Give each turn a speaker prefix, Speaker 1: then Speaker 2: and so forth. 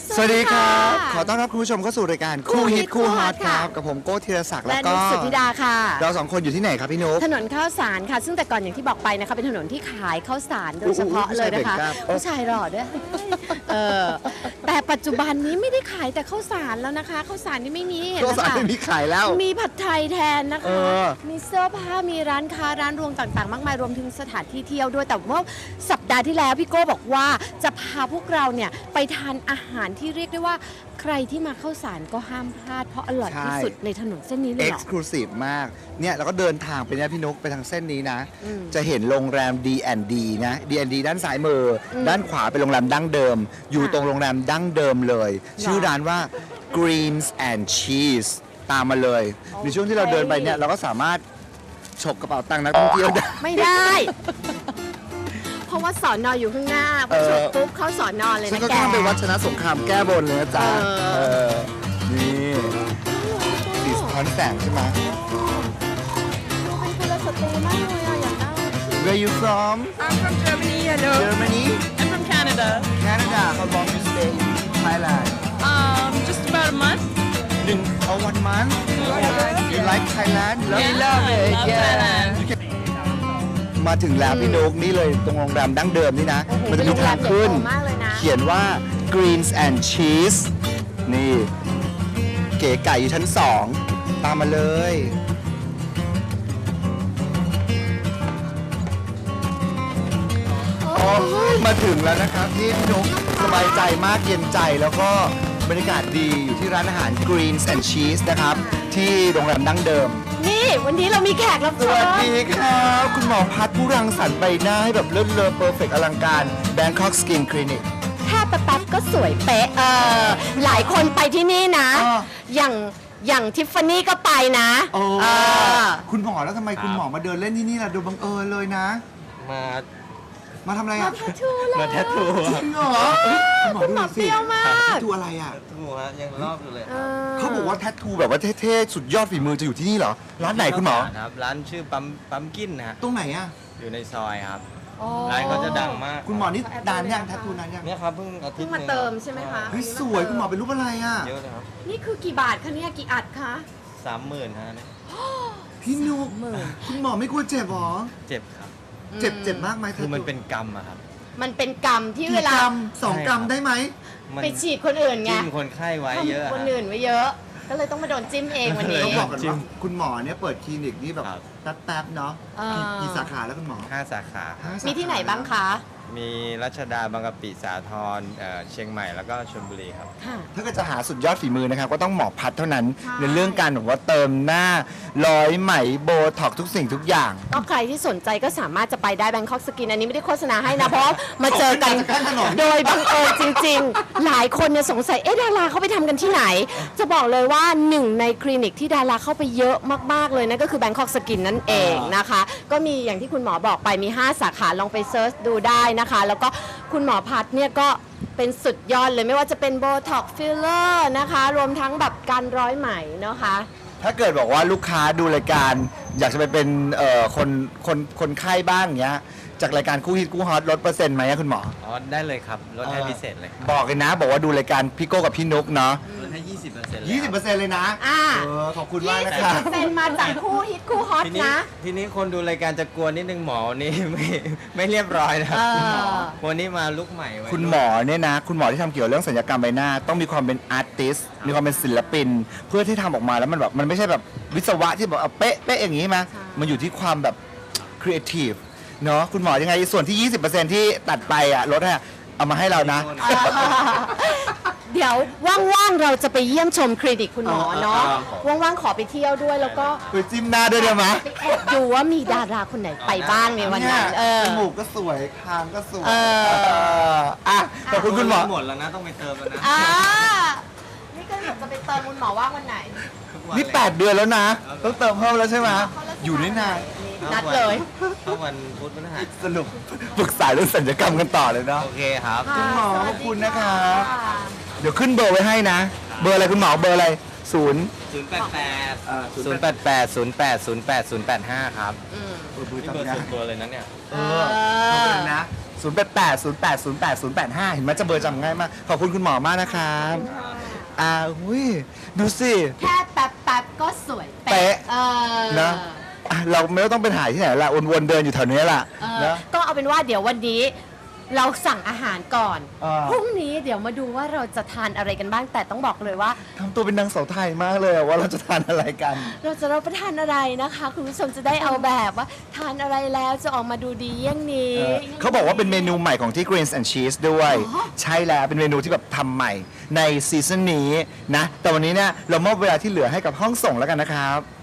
Speaker 1: สวัสดีครับขอต้อนรับคุณผู้ชมเข้าสู่รายการคู่ฮิตคู่ฮอตครับกับผมโก้ธีรศักดิ์แล้ว
Speaker 2: และ
Speaker 1: ก็
Speaker 2: นุชสุธิดาค่ะ
Speaker 1: เราสองคนอยู่ที่ไหนครับพี่นุ๊ก
Speaker 2: ถนนข้าวสารค่ะ ซึ่งแต่ก่อนอย่างที่บอกไปนะคะเป็นถนนที่ขายข้าวสารโดยเฉพาะเลยนะคะ
Speaker 1: ผู้
Speaker 2: ผู้
Speaker 1: ชา
Speaker 2: ชาย ย
Speaker 1: เบ่งกล้าม
Speaker 2: หล่อด้วยแต่ปัจจุบันนี้ไม่ได้ขายแต่ข้าวสารแล้วนะคะข้าวสารนี่ไม่มีเห็น
Speaker 1: ตัว
Speaker 2: นะ
Speaker 1: สาร
Speaker 2: คะ
Speaker 1: ไม่มีขายแล้ว
Speaker 2: มีผัดไทยแทนนะ
Speaker 1: เอ
Speaker 2: คะ
Speaker 1: อ
Speaker 2: มีเสื้อผ้ามีร้านค้าร้านรวงต่างๆ มากมายรวมถึงสถานที่เที่ยวด้วยแต่ว่าสัปดาห์ที่แล้วพี่โก้บอกว่าจะพาพวกเราเนี่ยไปทานอาหารที่เรียกได้ว่าใครที่มาข้าวสารก็ห้ามพลาดเพราะอร่อยที่สุดในถนนเส้นนี้เลย
Speaker 1: เอ็
Speaker 2: เห
Speaker 1: ก
Speaker 2: รอ
Speaker 1: ซ์คลูซีฟมากเนี่ยเราก็เดินทางไปเนี่ยพี่นุ๊กไปทางเส้นนี้นะ
Speaker 2: อืม
Speaker 1: จะเห็นโรงแรม D&D นะ D&D ด้านซ้ายมืออด้านขวาเป็นโรงแรมดั้งเดิม อยู่ตรงโรงแรมดั้งเดิมเลย ชื่อร้านว่า Greens and Cheese ตามมาเลย ในช่วงที่เราเดินไปเนี่ยเราก็สามารถฉกกระเป๋าตังค์นักท่องเที่ยวได้
Speaker 2: ไม่ได้ เพราะว่าสอนออยู่ข้างหน้าพอจบปุ๊บเข้าสอนอเลย
Speaker 1: ฉัน
Speaker 2: นะ
Speaker 1: ก็
Speaker 2: แก
Speaker 1: ข้ามไปวัดชนะสงครามแก้บนเลยนะจ๊ะ
Speaker 2: เออ
Speaker 1: นี่สีสะท้อนแสงใช่ไหม
Speaker 2: ดูเป็นกุลสตรีมากเลยอะอยากได้
Speaker 1: Where you from
Speaker 3: I'm from Germany. Hello.
Speaker 1: Germany
Speaker 3: I'm from Canada.
Speaker 1: Canada How long you stay in Thailand
Speaker 3: Just about a month.
Speaker 1: 1 month You like Thailand
Speaker 3: Yeah, I love Thailand.
Speaker 1: You can มาถึงแล้วพี่นุ๊กนี่เลยตรงโรงแรมดั้งเดิมนี่นะ
Speaker 2: โอ้โห
Speaker 1: มันจะมีทางขึ้น
Speaker 2: เป็นโรงแรมใหญ่โตมากเลยนะ
Speaker 1: เขียนว่า Greens and Cheese นี่ เก๋ไก่อยู่ชั้น 2 ตามมาเลย โอ้ยมาถึงแล้วนะครับที่พี่นุ๊กสบายใจมากเย็นใจแล้วก็บรรยากาศดีอยู่ที่ร้านอาหาร Greens and Cheese นะครับ ที่โรงแรมดั้งเดิม
Speaker 2: นี่วันนี้เรามีแขกรับ
Speaker 1: ส
Speaker 2: เชิ
Speaker 1: วัส
Speaker 2: ญ
Speaker 1: ดีครับ คุณหมอพัฒน์ผู้รังสรรค์ใบหน้าให้แบบเลิศเลอเพอร์เฟกอลังการ Bangkok Skin Clinic
Speaker 2: แค่แป๊บๆก็สวยเป๊ะหลายคนไปที่นี่นะ
Speaker 1: อ่า
Speaker 2: อย่างทิฟฟานี่ก็ไปนะ
Speaker 1: โอ้
Speaker 2: เออ
Speaker 1: คุณหมอแล้วทำไมคุณหมอมาเดินเล่นที่นี่ล่ะดูบังเอิญเลยนะ
Speaker 4: มา
Speaker 1: มาทำอะไร
Speaker 2: มา
Speaker 1: อ่ะ
Speaker 2: แททูเลย
Speaker 4: มาแททู
Speaker 1: จริงเหรอคุณหมอ
Speaker 2: คุณ
Speaker 1: ดู
Speaker 2: หม
Speaker 1: ห
Speaker 2: อ
Speaker 1: น่อย
Speaker 2: เป
Speaker 1: สิ
Speaker 2: รี้ยวมาก
Speaker 1: แททูอะไรอ่ะ
Speaker 4: ทูฮะยังรอบอยู่เลย
Speaker 1: เขาบอกว่าแททูแบบว่าเท่ๆสุดยอดฝีมือจะอยู่ที่นี่เหรอ ร้านไหนคุณหมอ
Speaker 4: ครับร้านชื่อปั๊มกินนะฮะ
Speaker 1: ตรงไหนอ่ะ
Speaker 4: อยู่ในซอยครับ
Speaker 2: อ๋อ
Speaker 4: ร้านเขาจะดังมาก
Speaker 1: คุณหมอนี่นานยังแททูนานยัง
Speaker 4: เนี่ยครับเพิ่งอาทิ
Speaker 2: เพิ่
Speaker 4: ต
Speaker 2: ง
Speaker 4: ย์
Speaker 2: มาเติมใช่ไหมคะ
Speaker 1: เฮ้ยสวยคุณหมอเป็นรูปอะไรอ่ะ
Speaker 4: เยอะเลยครับ
Speaker 2: นี่คือกี่บาทคะเนี่ยกี่อัดคะ
Speaker 4: 30,000ฮะเนี่ย
Speaker 1: พี่นุ๊กคุณหมอไม่กลัวเจ็บหรอ
Speaker 4: เจ็บครับ
Speaker 1: เจ็บมากไหม
Speaker 4: คือมันเป็นกรรมอะครับ
Speaker 2: มันเป็นกรรมที่
Speaker 1: กี่
Speaker 2: เวลา
Speaker 1: กรัม2 กรัมได้ไหม
Speaker 4: มัน
Speaker 2: ไปฉีดคนอื่นไง
Speaker 4: จิ้มคนไข้ไว้เยอะ
Speaker 2: ทำ
Speaker 4: อะ
Speaker 2: คนอื่นไว้เยอะ ก็เลยต้องมาโดนจิ้มเองวันนี้
Speaker 1: ต้องบอกกัน
Speaker 4: จริ
Speaker 1: ว่าง คุณหมอเนี่ยเปิดคลินิกนี่แบบ
Speaker 4: ครับ
Speaker 1: แป๊บๆเนาะ
Speaker 2: อ่า
Speaker 1: กี่สาขาแล้วคุณหมอ
Speaker 4: 5 สาขา
Speaker 1: ห้าสาขา
Speaker 2: มีที่ไหนบ้างคะ
Speaker 4: มีรัชดาบางกะปิสาทรเชียงใหม่แล้วก็ชลบุรีครับ
Speaker 2: ค่ะ
Speaker 1: ถ้าเกิดจะหาสุดยอดฝีมือนะครับ ก็ต้องหมอพัดเท่านั้น
Speaker 2: ใช่
Speaker 1: ในเรื่องการแบบว่าเติมหน้าร้อยไหมโบท็อกทุกสิ่งทุกอย่าง
Speaker 2: ก็ใครที่สนใจก็สามารถจะไปได้ Bangkok Skin อันนี้ไม่ได้โฆษณาให้นะ เพราะมาเจอกัน
Speaker 1: ข้างถนน
Speaker 2: โดยบังเอิญจริงๆ หลายคนเนี่ยสงสัย เอ๊ะดาราเขาไปทำกันที่ไหน จะบอกเลยว่าหนึ่งในคลินิกที่ดาราเข้าไปเยอะมากๆเลยนั่นก็คือ Bangkok Skin นั่นเองนะคะ ก็มีอย่างที่คุณหมอบอกไปมี 5 สาขาลองไปเซิร์ชดูได้นะคะ แล้วก็คุณหมอพัดเนี่ยก็เป็นสุดยอดเลยไม่ว่าจะเป็นโบท็อกฟิลเลอร์นะคะ รวมทั้งแบบการร้อยไหมนะคะ
Speaker 1: ถ้าเกิดบอกว่าลูกค้าดูรายการ อยากจะไปเป็นคนไข้บ้างอย่างเงี้ยจากรายการคู่ฮิตคู่ฮอตลดเปอร์เซ็นต์ไหมอะคุณหมอ
Speaker 4: อ๋อ ได้เลยครับ ลดให้พิเศษเลย
Speaker 1: บอกเลยนะ บอกว่าดูรายการพี่โก้กับพี่นุ๊กเนาะ
Speaker 4: ลดให้ 20%เลย
Speaker 1: 20%เลยนะ
Speaker 2: อ่า
Speaker 1: ขอบคุณมากนะครับ
Speaker 2: 20%มาจากคู่ฮิตคู่ฮอต
Speaker 4: ทีนี้
Speaker 2: นะ
Speaker 4: ทีนี้คนดูรายการจะกลัวนิดนึงหมอนี่ ไม่เรียบร้อยนะครับ
Speaker 2: เออ
Speaker 4: วันนี้มาลุกใหม่ไว้
Speaker 1: คุณหมอเนี่ยนะ คุณหมอที่ทำเกี่ยวเรื่องศัลยกรรมใบหน้า ต้องมีความเป็นอาร์ติสมีความเป็นศิลปิน เพื่อที่ทำออกมาแล้วมันแบบมันไม่ใช่แบบวิศวะที่แบบเอาเป๊ะเป๊ะอย่างนี้มามันอยู่ที่ความแบบครีเอทีฟเนาะคุณหมอยังไงส่วนที่ 20%ที่ตัดไปอะลดให้อะเอามาให้เรานะ
Speaker 2: เดี๋ยวว่างๆ เราจะไปเยี่ยมชมคลินิกคุณหมอเนาะว่างๆ ขอไปเที่ยวด้วยแล้วก็
Speaker 1: ไปจิ้มหน้าด้วยได้ไหม
Speaker 2: ไปแอบดูว่ามีดาราคนไหนไปบ้างในวัน
Speaker 1: เนี่
Speaker 2: นั้
Speaker 1: ย
Speaker 2: น
Speaker 1: จมูกก็สวยคางก็สวย
Speaker 2: เออ
Speaker 1: อ่ะขอบคุณคุณหมอ
Speaker 4: หมดแล้วนะ ต้องไปเติมแล้วนะ
Speaker 2: อ่านี่ก็แบบจะไปเติมคุณหมอว่างวันไหน
Speaker 4: ทุกวั
Speaker 1: นี่
Speaker 4: เลย
Speaker 1: 8 เดือนแล้วนะ ต้องเติมเพิ่มแล้วใช่ไหมอยู่ได้นาน
Speaker 2: นัดเลย
Speaker 4: ถ้าวันพุธพฤหัส
Speaker 1: สรุปปรึกษาเรื่องศัลยกรรมกันต่อเลยเนาะ
Speaker 4: โอเคครับ
Speaker 1: คุณหมอ
Speaker 2: สวัสดี
Speaker 1: ขอบคุณนะครับ
Speaker 2: ค่ะ
Speaker 1: เดี๋ยวขึ้นเบอร์ไว้ให้นะ เบอร์อะไรคุณหมอเบอร์อะไรศูนย์
Speaker 4: 088 088 08 08 085 ครับ
Speaker 2: อืม
Speaker 1: เบอร์
Speaker 4: นี่เบอร์
Speaker 1: ทำงา
Speaker 4: ส่วน นตัวเลยนะเนี่ย
Speaker 1: เออขอบคุณนะ 088 เห็นไหมจะเบอร์จำง่ายมาก ขอบคุณคุณหมอมากนะครับอุ้ยดูสิ
Speaker 2: แค่แป๊บๆก็สวย
Speaker 1: เป๊ะ
Speaker 2: นะ
Speaker 1: นะเราไม่ต้องไปถ่ายที่ไหนละวนๆเดินอยู่แถวนี้ละนะ
Speaker 2: ก็เอาเป็นว่าเดี๋ยววันนี้เราสั่งอาหารก่อน พรุ่งนี้เดี๋ยวมาดูว่าเราจะทานอะไรกันบ้างแต่ต้องบอกเลยว่า
Speaker 1: ทำตัวเป็นนางสาวไทยมากเลยว่าเราจะทานอะไรกัน
Speaker 2: เราจะรับประทานอะไรนะคะ คุณผู้ชมจะได้เอาแบบว่าทานอะไรแล้วจะออกมาดูดีเยี่ยงนี้
Speaker 1: เขาบอกว่าเป็นเมนูใหม่ของที่ Greens and Cheese ด้วย ใช่แล้วเป็นเมนูที่แบบทำใหม่ในซีซั่นนี้นะ แต่วันนี้เนี่ยเรามอบเวลาที่เหลือให้กับห้องส่งแล้วกันนะครับ